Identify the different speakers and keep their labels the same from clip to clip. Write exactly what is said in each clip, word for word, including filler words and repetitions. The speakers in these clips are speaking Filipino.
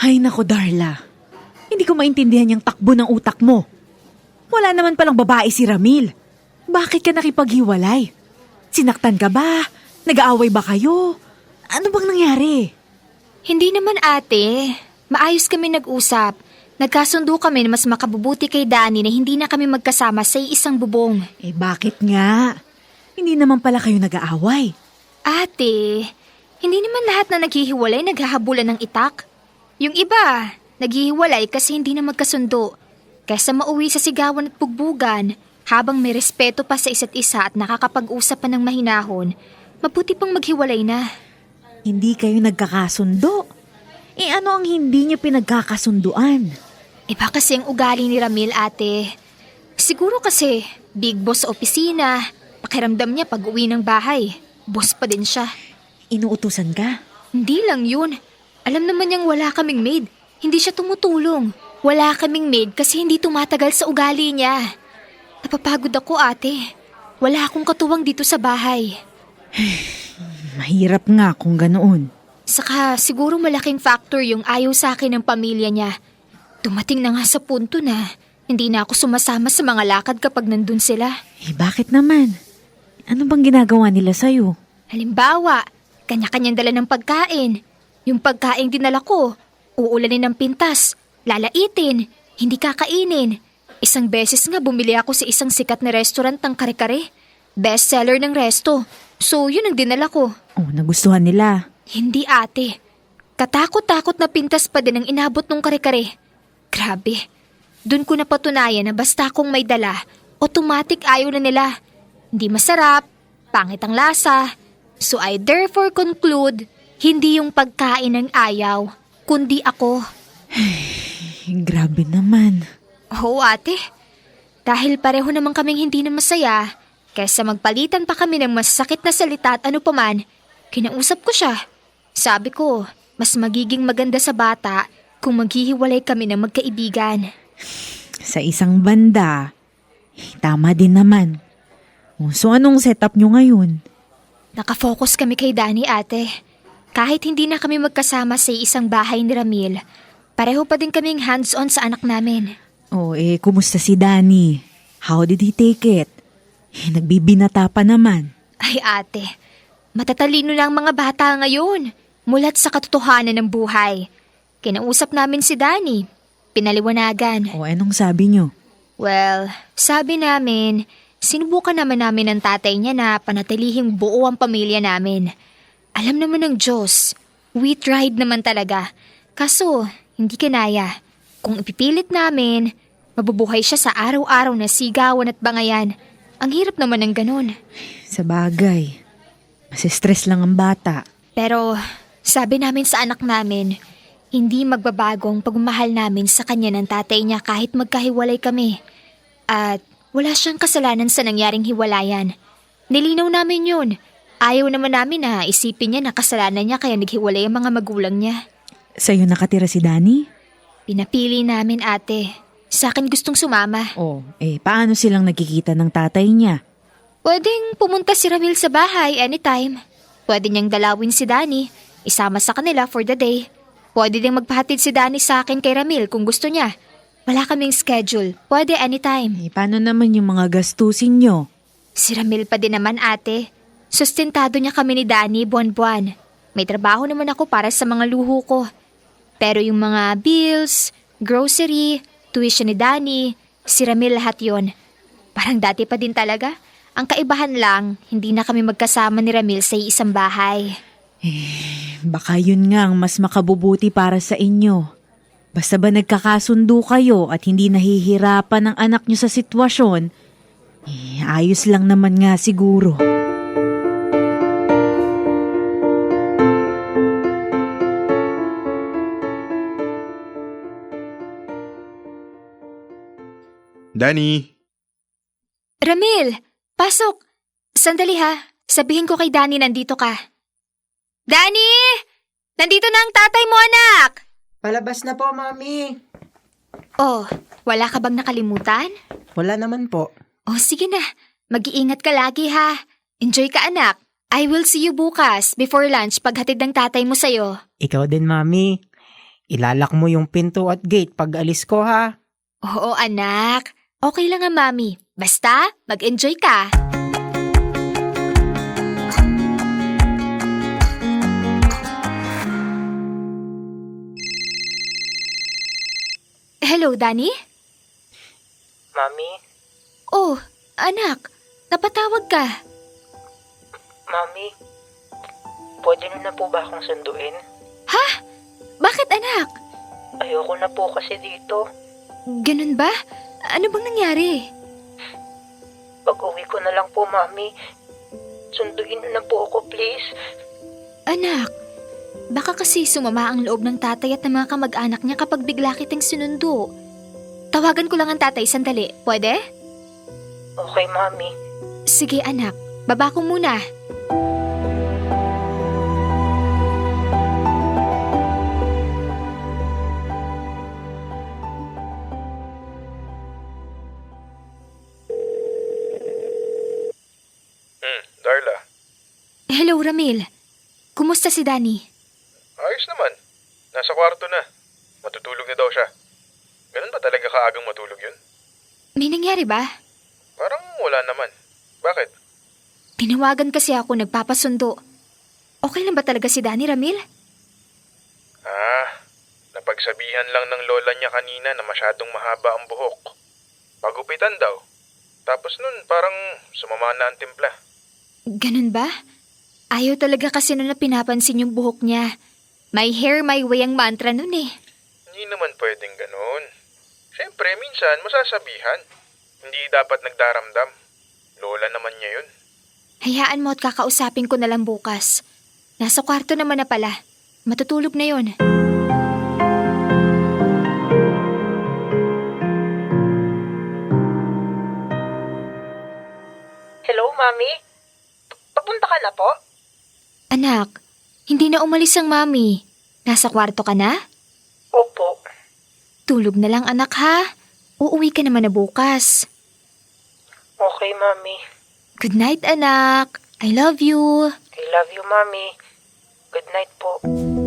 Speaker 1: Ay nako, Darla. Hindi ko maintindihan yung takbo ng utak mo. Wala naman palang babae si Ramil. Bakit ka nakipaghiwalay? Sinaktan ka ba? Nag-aaway ba kayo? Ano bang nangyari?
Speaker 2: Hindi naman ate. Maayos kami nag-usap. Nagkasundo kami na mas makabubuti kay Danny na hindi na kami magkasama sa isang bubong.
Speaker 1: Eh bakit nga? Hindi naman pala kayo nag-aaway.
Speaker 2: Ate, hindi naman lahat na naghihiwalay naghahabulan ng itak. Yung iba, naghihiwalay kasi hindi na magkasundo. Kaysa mauwi sa sigawan at pugbugan, habang may respeto pa sa isa't isa at nakakapag-usap pa ng mahinahon, mabuti pang maghiwalay na.
Speaker 1: Hindi kayo nagkakasundo. Eh ano ang hindi niyo pinagkakasunduan?
Speaker 2: Iba kasi ang ugali ni Ramil, ate. Siguro kasi big boss sa opisina. Pakiramdam niya pag uwi ng bahay. Boss pa din siya.
Speaker 1: Inuutusan ka?
Speaker 2: Hindi lang yun. Alam naman niyang wala kaming maid. Hindi siya tumutulong. Wala kaming maid kasi hindi tumatagal sa ugali niya. Napapagod ako, ate. Wala akong katuwang dito sa bahay.
Speaker 1: Mahirap nga kung ganoon.
Speaker 2: Saka siguro malaking factor yung ayaw sa akin ng pamilya niya. Dumating na nga sa punto na hindi na ako sumasama sa mga lakad kapag nandun sila.
Speaker 1: Eh bakit naman? Ano bang ginagawa nila sa'yo?
Speaker 2: Halimbawa, kanya-kanyang dala ng pagkain. Yung pagkain dinala ko, uulanin ng pintas, lalaitin, hindi kakainin. Isang beses nga bumili ako sa isang sikat na restaurant ng kare-kare. Bestseller ng resto. So yun ang dinala ko.
Speaker 1: Oh, nagustuhan nila.
Speaker 2: Hindi ate. Katakot-takot na pintas pa din ang inabot ng kare-kare. Grabe. Doon ko napatunayan na basta akong may dala, automatic ayaw na nila. Hindi masarap, pangit ang lasa. So I therefore conclude, hindi yung pagkain ang ayaw, kundi ako.
Speaker 1: Grabe naman.
Speaker 2: Oo ate. Dahil pareho naman kaming hindi na masaya, kaysa magpalitan pa kami ng masakit na salita at ano paman, kinausap ko siya. Sabi ko, mas magiging maganda sa bata kung maghihiwalay kami ng magkaibigan.
Speaker 1: Sa isang banda, eh, tama din naman. Oh, so anong setup nyo ngayon?
Speaker 2: Nakafocus kami kay Danny, ate. Kahit hindi na kami magkasama sa isang bahay ni Ramil, pareho pa din kaming hands-on sa anak namin.
Speaker 1: Oh, eh, kumusta si Danny? How did he take it? Eh, nagbibinata pa naman.
Speaker 2: Ay ate, matatalino na ang mga bata ngayon. Mulat sa katotohanan ng buhay. Kinausap namin si Danny. Pinaliwanagan.
Speaker 1: O, anong sabi nyo?
Speaker 2: Well, sabi namin, sinubukan naman namin ng tatay niya na panatilihing buo ang pamilya namin. Alam naman ng Diyos, we tried naman talaga. Kaso, hindi kinaya. Kung ipipilit namin, mabubuhay siya sa araw-araw na sigawan at bangayan. Ang hirap naman ng ganun.
Speaker 1: Sa bagay, mas stress lang ang bata.
Speaker 2: Pero sabi namin sa anak namin, hindi magbabago ang pagmamahal namin sa kanya ng tatay niya kahit magkahiwalay kami. At wala siyang kasalanan sa nangyaring hiwalayan. Nilinaw namin yun. Ayaw naman namin na isipin niya na kasalanan niya kaya naghiwalay ang mga magulang niya.
Speaker 1: Sa'yo nakatira si Danny?
Speaker 2: Pinapili namin ate. Sa akin gustong sumama.
Speaker 1: Oh, eh paano silang nagkikita ng tatay niya?
Speaker 2: Pwedeng pumunta si Ramil sa bahay anytime. Pwede niyang dalawin si Danny. Isama sa kanila for the day. Pwede ding magpahatid si Danny sa akin kay Ramil kung gusto niya. Wala kaming schedule. Pwede anytime.
Speaker 1: Eh, paano naman yung mga gastusin nyo?
Speaker 2: Si Ramil pa din naman ate. Sustentado niya kami ni Danny buwan-buwan. May trabaho naman ako para sa mga luho ko. Pero yung mga bills, grocery, tuition ni Danny, si Ramil lahat yon. Parang dati pa din talaga. Ang kaibahan lang, hindi na kami magkasama ni Ramil sa isang bahay.
Speaker 1: Eh, baka yun nga ang mas makabubuti para sa inyo. Basta ba nagkakasundo kayo at hindi nahihirapan ang anak nyo sa sitwasyon, eh, ayos lang naman nga siguro.
Speaker 3: Danny!
Speaker 2: Ramil, pasok! Sandali ha, sabihin ko kay Danny nandito ka. Danny! Nandito na ang tatay mo, anak!
Speaker 4: Palabas na po, Mami.
Speaker 2: Oh, wala ka bang nakalimutan?
Speaker 4: Wala naman po.
Speaker 2: Oh, sige na. Mag-iingat ka lagi ha. Enjoy ka, anak. I will see you bukas before lunch paghatid ng tatay mo sa'yo.
Speaker 4: Ikaw din, Mami. ilalak mo yung pinto at gate pag alis ko ha.
Speaker 2: Oo, anak. Okay lang nga, Mami. Basta, mag-enjoy ka. Hello, Danny?
Speaker 4: Mami,
Speaker 2: Oh, anak. Napatawag ka.
Speaker 4: Mami, pwede na po ba akong sunduin?
Speaker 2: Bakit, anak?
Speaker 4: Ayoko na po kasi dito.
Speaker 2: Ganun ba? Ano bang nangyari?
Speaker 4: Pag uwi ko na lang po, Mami. Sunduin na lang po ako, please.
Speaker 2: Anak, baka kasi sumama ang loob ng tatay at ng mga kamag-anak niya kapag bigla kitang sinundo. Tawagan ko lang ang tatay sandali. Pwede?
Speaker 4: Okay, Mami.
Speaker 2: Sige, anak. Baba ko muna.
Speaker 3: Hmm, Darla.
Speaker 2: Hello, Ramil. Kumusta si Danny?
Speaker 3: Ayos naman. Nasa kwarto na. Matutulog na daw siya. Ganun ba talaga kaagang matulog yun?
Speaker 2: May nangyari ba?
Speaker 3: Parang wala naman. Bakit?
Speaker 2: Tinawagan kasi ako nagpapasundo. Okay lang ba talaga si Danny, Ramil?
Speaker 3: Ah, napagsabihan lang ng lola niya kanina na masyadong mahaba ang buhok. Pagupitan daw. Tapos nun parang sumama na ang timpla.
Speaker 2: Ganun ba? Ayaw talaga kasi nun na pinapansin yung buhok niya. My hair, my way ang mantra nun eh.
Speaker 3: Hindi naman pwedeng ganun. Siyempre, minsan masasabihan. Hindi dapat nagdaramdam. Lola naman niya yun.
Speaker 2: Hayaan mo at kakausapin ko na lang bukas. Nasa kwarto naman na pala. Matutulog na yon.
Speaker 4: Hello, Mami? Papunta ka na po?
Speaker 2: Anak, hindi na umalis ang mami. Nasa kwarto ka na?
Speaker 4: Opo.
Speaker 2: Tulog na lang anak ha. Uuwi ka naman na bukas.
Speaker 4: Okay, Mami.
Speaker 2: Good night anak. I love you.
Speaker 4: I love you, Mami. Good night po.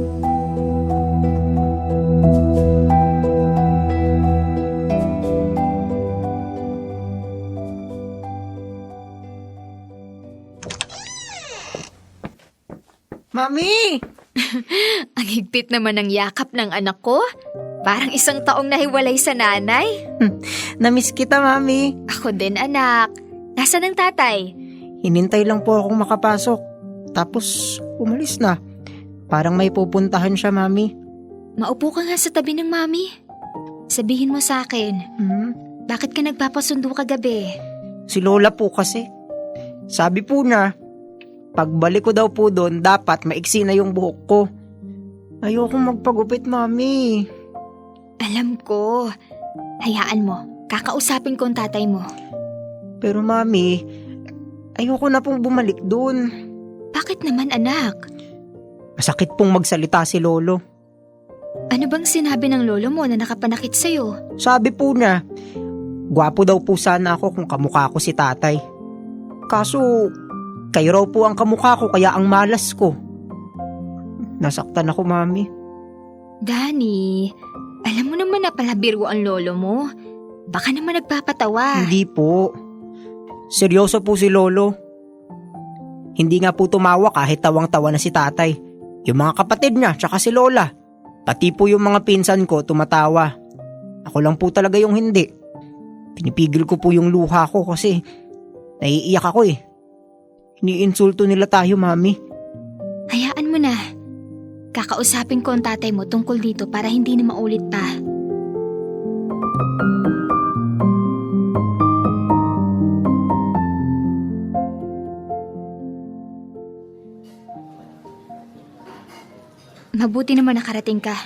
Speaker 4: Mami!
Speaker 2: Ang higpit naman ng yakap ng anak ko. Parang isang taong nahiwalay sa nanay.
Speaker 4: Namiss kita, Mami.
Speaker 2: Ako din anak. Nasaan ang tatay?
Speaker 4: Hinintay lang po akong makapasok. Tapos, umalis na. Parang may pupuntahan siya, Mami.
Speaker 2: Maupo ka nga sa tabi ng mami. Sabihin mo sa akin,
Speaker 4: Hmm?
Speaker 2: bakit ka nagpapasundo kagabi?
Speaker 4: Si Lola po kasi. Sabi po na, pagbalik ko daw po doon, dapat maiksi na yung buhok ko. Ayokong magpagupit, Mami.
Speaker 2: Alam ko. Hayaan mo. Kakausapin ko ang tatay mo.
Speaker 4: Pero Mami, ayoko na pong bumalik doon.
Speaker 2: Bakit naman anak?
Speaker 4: Masakit pong magsalita si Lolo.
Speaker 2: Ano bang sinabi ng lolo mo na nakapanakit sa'yo?
Speaker 4: Sabi po na, gwapo daw po sana ako kung kamukha ko si tatay. Kaso, kayo raw po ang kamukha ko kaya ang malas ko. Nasaktan ako, Mami.
Speaker 2: Danny, alam mo naman na palabiro ang lolo mo. Baka naman nagpapatawa.
Speaker 4: Hindi po. Seryoso po si Lolo. Hindi nga po tumawa kahit tawang-tawa na si tatay. Yung mga kapatid niya, tsaka si Lola. Pati po yung mga pinsan ko tumatawa. Ako lang po talaga yung hindi. Pinipigil ko po yung luha ko kasi naiiyak ako eh. Iniinsulto nila tayo, Mami.
Speaker 2: Hayaan mo na. Kakausapin ko ang tatay mo tungkol dito para hindi na maulit pa. Mabuti naman nakarating ka.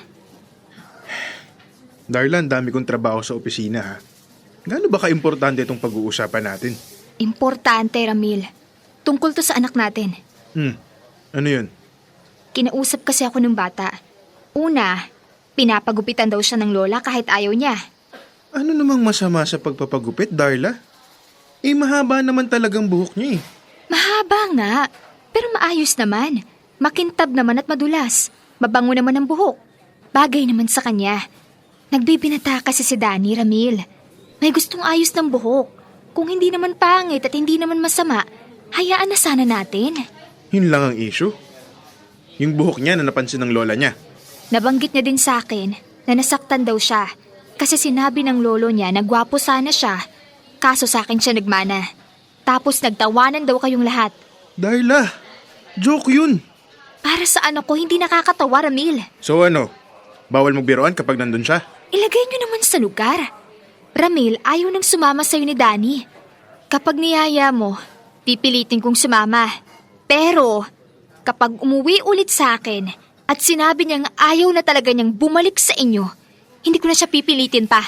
Speaker 3: Darla, ang dami kong trabaho sa opisina ha. Gaano ba ka-importante itong pag-uusapan natin?
Speaker 2: Importante, Ramil. Tungkol to sa anak natin.
Speaker 3: Hmm, ano yun?
Speaker 2: Kinausap kasi ako ng bata. Una, pinapagupitan daw siya ng lola kahit ayaw niya.
Speaker 3: Ano namang masama sa pagpapagupit, Darla? Eh, mahaba naman talagang buhok niya eh.
Speaker 2: Mahaba nga, pero maayos naman. Makintab naman at madulas. Mabango naman ang buhok. Bagay naman sa kanya. Nagbibinata kasi si Danny, Ramil. May gustong ayos ng buhok. Kung hindi naman pangit at hindi naman masama, hayaan na sana natin.
Speaker 3: Yun lang ang issue. Yung buhok niya na napansin ng lola niya.
Speaker 2: Nabanggit niya din sa akin na nasaktan daw siya kasi sinabi ng lolo niya na gwapo sana siya, kaso sa akin siya nagmana. Tapos nagtawanan daw kayong lahat.
Speaker 3: Darla, joke yun.
Speaker 2: Para sa ano ko, hindi nakakatawa, Ramil.
Speaker 3: So ano, bawal magbiroan kapag nandun siya?
Speaker 2: Ilagay niyo naman sa lugar. Ramil, ayaw nang sumama sa'yo ni Danny. Kapag niyaya mo, pipilitin kong sumama. Pero, kapag umuwi ulit sa akin at sinabi niyang ayaw na talaga niyang bumalik sa inyo, hindi ko na siya pipilitin pa.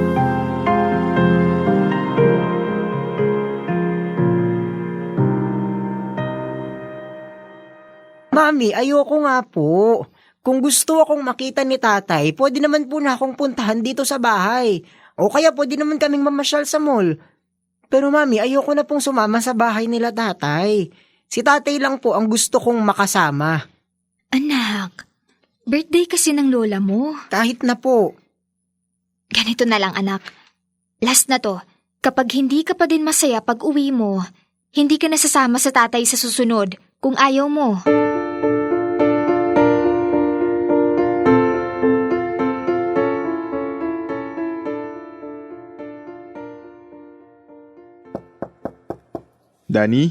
Speaker 4: Mami, ayoko nga po. Kung gusto akong makita ni tatay, pwede naman po na akong puntahan dito sa bahay. O kaya pwede naman kaming mamasyal sa mall. Pero mami, ayoko na pong sumama sa bahay nila tatay. Si tatay lang po ang gusto kong makasama.
Speaker 2: Anak, birthday kasi ng lola mo.
Speaker 4: Kahit na po.
Speaker 2: Ganito na lang, anak. Last na to, kapag hindi ka pa din masaya pag uwi mo, hindi ka nasasama sa tatay sa susunod kung ayaw mo.
Speaker 3: Danny?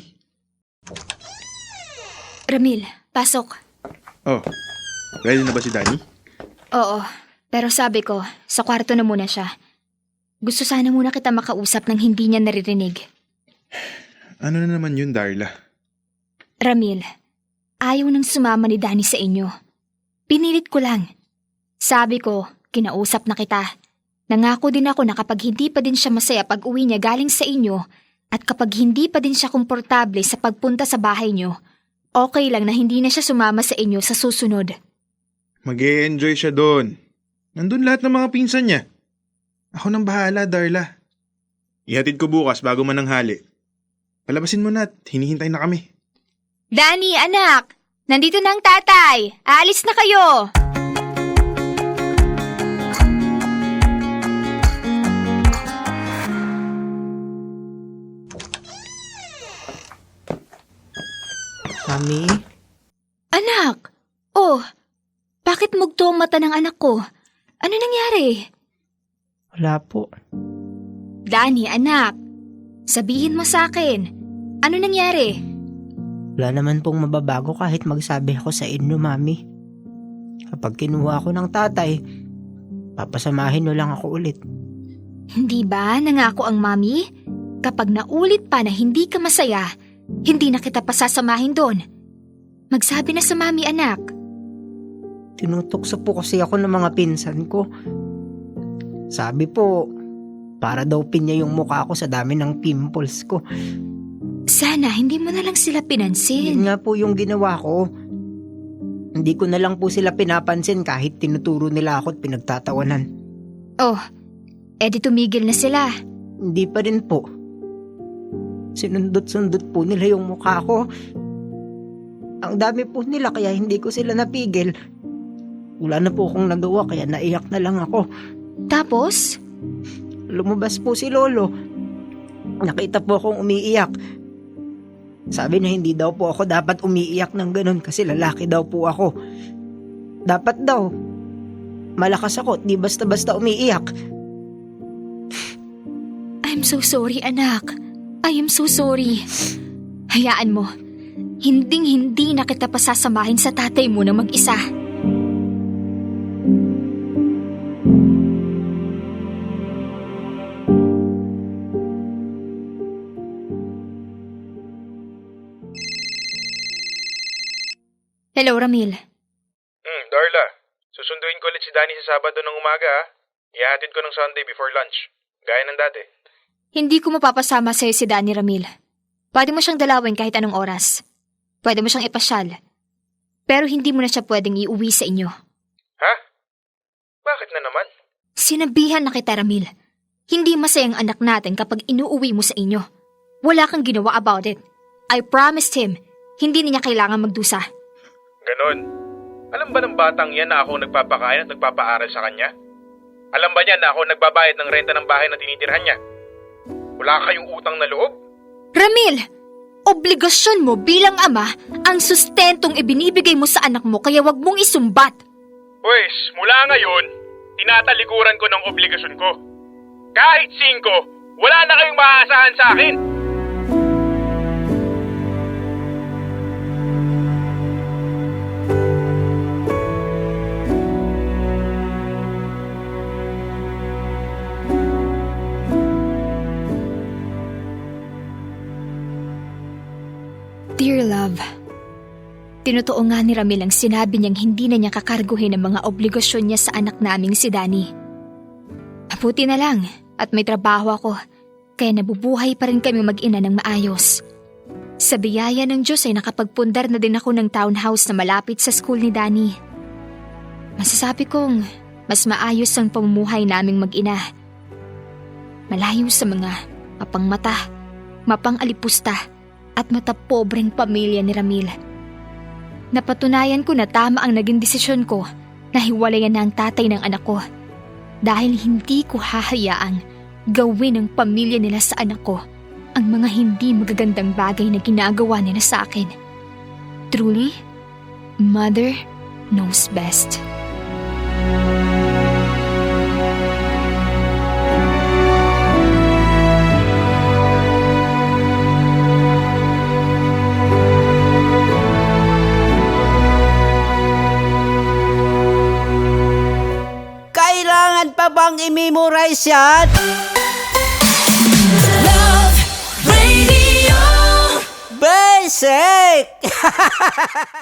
Speaker 2: Ramil, pasok.
Speaker 3: Oh, ready na ba si Danny?
Speaker 2: Oo, pero sabi ko, sa kwarto na muna siya. Gusto sana muna kita makausap nang hindi niya naririnig.
Speaker 3: Ano na naman yun, Darla?
Speaker 2: Ramil, ayaw nang sumama ni Danny sa inyo. Pinilit ko lang. Sabi ko, kinausap na kita. Nangako din ako na kapag hindi pa din siya masaya pag uwi niya galing sa inyo, at kapag hindi pa din siya komportable sa pagpunta sa bahay niyo, okay lang na hindi na siya sumama sa inyo sa susunod.
Speaker 3: Mag-e-enjoy siya doon. Nandun lahat ng mga pinsan niya. Ako nang bahala, Darla. Ihatid ko bukas bago mananghali. Palabasin mo na at hinihintay na kami.
Speaker 2: Danny, anak! Nandito na ang tatay! Aalis na kayo!
Speaker 4: Mami?
Speaker 2: Anak! Oh, bakit mugto ang mata ng anak ko? Ano nangyari?
Speaker 4: Wala po.
Speaker 2: Danny, anak! Sabihin mo sa akin, ano nangyari?
Speaker 4: Wala naman pong mababago kahit magsabi ako sa inyo, Mami. Kapag kinuha ako ng tatay, papasamahin nyo lang ako ulit.
Speaker 2: Hindi ba nangako ang mami? Kapag naulit pa na hindi ka masaya, hindi na kita pasasamahin doon. Magsabi na sa mami, anak.
Speaker 4: Tinutokso po kasi ako ng mga pinsan ko. Sabi po, para daw pinya yung mukha ko sa dami ng pimples ko.
Speaker 2: Sana hindi mo na lang sila pinansin.
Speaker 4: Yun nga po yung ginawa ko. Hindi ko na lang po sila pinapansin kahit tinuturo nila ako at pinagtatawanan.
Speaker 2: Oh, edi tumigil na sila.
Speaker 4: Hindi pa rin po. Sinundot-sundot po nila yung mukha ko. Ang dami po nila kaya hindi ko sila napigil. Wala na po akong nagawa kaya naiyak na lang ako.
Speaker 2: Tapos?
Speaker 4: Lumabas po si Lolo. Nakita po akong umiiyak. Sabi na hindi daw po ako dapat umiiyak ng ganun kasi lalaki daw po ako. Dapat daw. Malakas ako, di basta-basta umiiyak.
Speaker 2: I'm so sorry, anak. I am so sorry. Hayaan mo. Hinding-hindi na kita pasasamahin sa tatay mo na mag-isa. Hello, Ramil.
Speaker 3: Hmm, Darla. Susunduin ko ulit si Danny sa Sabado ng umaga ha. Ihahatid ko ng Sunday before lunch. Gaya ng dati.
Speaker 2: Hindi ko mapapasama sa'yo si Danny, Ramil. Pwede mo siyang dalawin kahit anong oras. Pwede mo siyang ipasyal. Pero hindi mo na siya pwedeng iuwi sa inyo.
Speaker 3: Ha? Bakit na naman?
Speaker 2: Sinabihan na kita, Ramil. Hindi masayang anak natin kapag inuuwi mo sa inyo. Wala kang ginawa about it. I promised him, hindi niya kailangan magdusa.
Speaker 3: Ganon. Alam ba ng batang yan na ako nagpapakain at nagpapaaral sa kanya? Alam ba niya na ako nagbabayad ng renta ng bahay na tinitirhan niya? Wala kayong utang na loob?
Speaker 2: Ramil! Obligasyon mo bilang ama ang sustentong ibinibigay mo sa anak mo kaya wag mong isumbat.
Speaker 3: Pwes, mula ngayon, tinatalikuran ko ng obligasyon ko. Kahit singko, wala na kayong maaasahan sa akin.
Speaker 2: Dear love, tinutuo nga ni Ramil ang sinabi niyang hindi na niya kakarguhin ang mga obligasyon niya sa anak naming si Danny. Mabuti na lang at may trabaho ako, kaya nabubuhay pa rin kami mag-ina ng maayos. Sa biyaya ng Diyos ay nakapagpundar na din ako ng townhouse na malapit sa school ni Danny. Masasabi kong mas maayos ang pamumuhay naming mag-ina. Malayo sa mga mapangmata, mapang-alipusta at matapobreng pamilya ni Ramil. Napatunayan ko na tama ang naging desisyon ko na hiwalayan na ang tatay ng anak ko dahil hindi ko hahayaang gawin ng pamilya nila sa anak ko ang mga hindi magagandang bagay na ginagawa nila sa akin. Truly, mother knows best.
Speaker 4: Kailangan pa bang i-memorize yan?
Speaker 5: Love Radio.
Speaker 4: Basic!